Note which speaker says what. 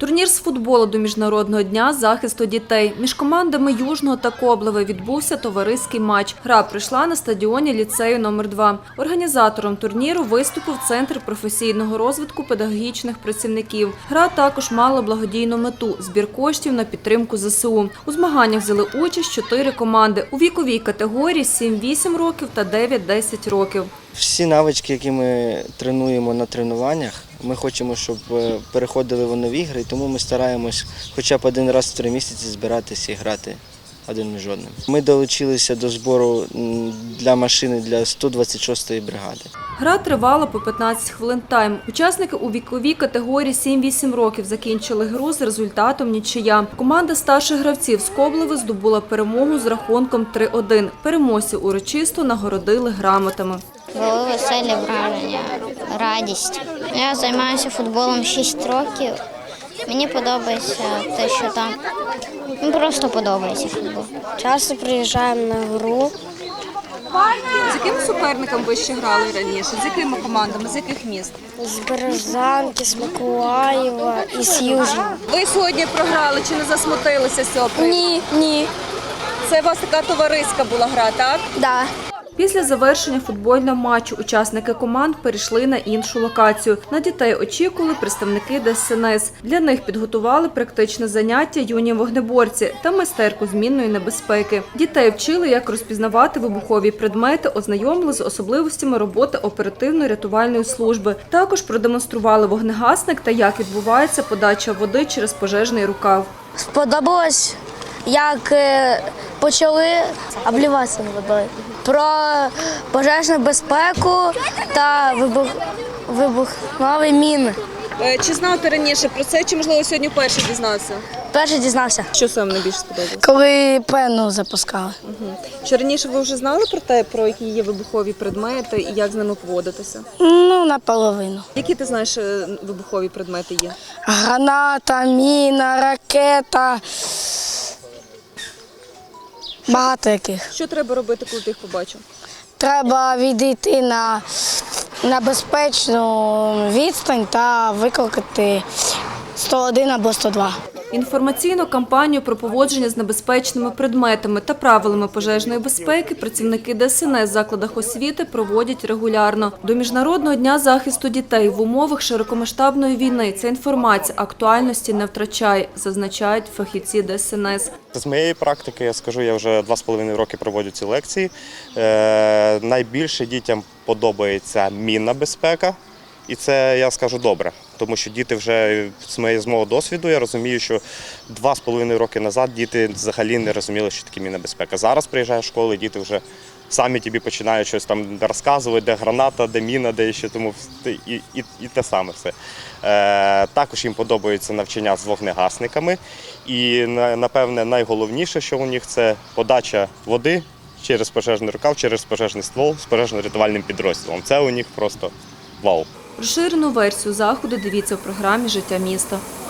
Speaker 1: Турнір з футболу до Міжнародного дня захисту дітей. Між командами Южного та Коблеве відбувся товариський матч. Гра пройшла на стадіоні ліцею номер 2. Організатором турніру виступив Центр професійного розвитку педагогічних працівників. Гра також мала благодійну мету – збір коштів на підтримку ЗСУ. У змаганнях взяли участь 4 команди у віковій категорії 7-8 років та 9-10 років.
Speaker 2: Всі навички, які ми тренуємо на тренуваннях, ми хочемо, щоб переходили вони в ігри, і тому ми стараємось хоча б один раз в 3 місяці збиратися і грати один між одним. Ми долучилися до збору для машини для 126-ї бригади.
Speaker 1: Гра тривала по 15 хвилин тайм. Учасники у віковій категорії 7-8 років закінчили гру з результатом нічия. Команда старших гравців з Коблеви здобула перемогу з рахунком 3-1. Переможців урочисто нагородили грамотами.
Speaker 3: Були веселі враження, радість. Я займаюся футболом 6 років. Мені подобається те, що там. Мені просто подобається футбол.
Speaker 4: Часто приїжджаємо на гру.
Speaker 1: З якими суперниками ви ще грали раніше? З якими командами? З яких міст?
Speaker 4: З Березанки, з Миколаєва і з Южного.
Speaker 1: Ви сьогодні програли чи не засмутилися з цього приводу?
Speaker 4: Ні.
Speaker 1: Це у вас така товариська була гра, так?
Speaker 4: Да.
Speaker 1: Після завершення футбольного матчу учасники команд перейшли на іншу локацію. На дітей очікували представники ДСНС. Для них підготували практичне заняття юні вогнеборці та майстерку змінної небезпеки. Дітей вчили, як розпізнавати вибухові предмети, ознайомили з особливостями роботи оперативно-рятувальної служби. Також продемонстрували вогнегасник та як відбувається подача води через пожежний рукав.
Speaker 4: Сподобалось, як почали обліватися водою. Про пожежну безпеку та вибухові міни.
Speaker 1: Чи знав ти раніше про це, чи, можливо, сьогодні вперше дізнався?
Speaker 4: Перший дізнався.
Speaker 1: Що саме найбільше сподобалося?
Speaker 4: Коли пену запускали.
Speaker 1: Чи раніше ви вже знали про те, про які є вибухові предмети і як з ними поводитися?
Speaker 4: Ну, наполовину.
Speaker 1: Які ти знаєш вибухові предмети є?
Speaker 4: Граната, міна, ракета. Багато яких.
Speaker 1: Що треба робити, коли ти їх побачив?
Speaker 4: Треба відійти на безпечну відстань та викликати 101 або 102.
Speaker 1: Інформаційну кампанію про поводження з небезпечними предметами та правилами пожежної безпеки працівники ДСНС в закладах освіти проводять регулярно. До Міжнародного дня захисту дітей в умовах широкомасштабної війни ця інформація актуальності не втрачає, зазначають фахівці ДСНС.
Speaker 5: З моєї практики, я скажу, я вже 2,5 роки проводжу ці лекції. Найбільше дітям подобається мінна безпека. І це, я скажу, добре, тому що діти вже, з мого досвіду, я розумію, що 2,5 роки назад діти взагалі не розуміли, що таке мінна безпека. Зараз приїжджаєш в школу, діти вже самі тобі починають щось там розказувати, де граната, де міна, де ще, тому і те саме все. Також їм подобається навчання з вогнегасниками. І, напевне, найголовніше, що у них, це подача води через пожежний рукав, через пожежний ствол з пожежно-рятувальним підрозділом. Це у них просто вау.
Speaker 1: Розширену версію заходу дивіться у програмі «Життя міста».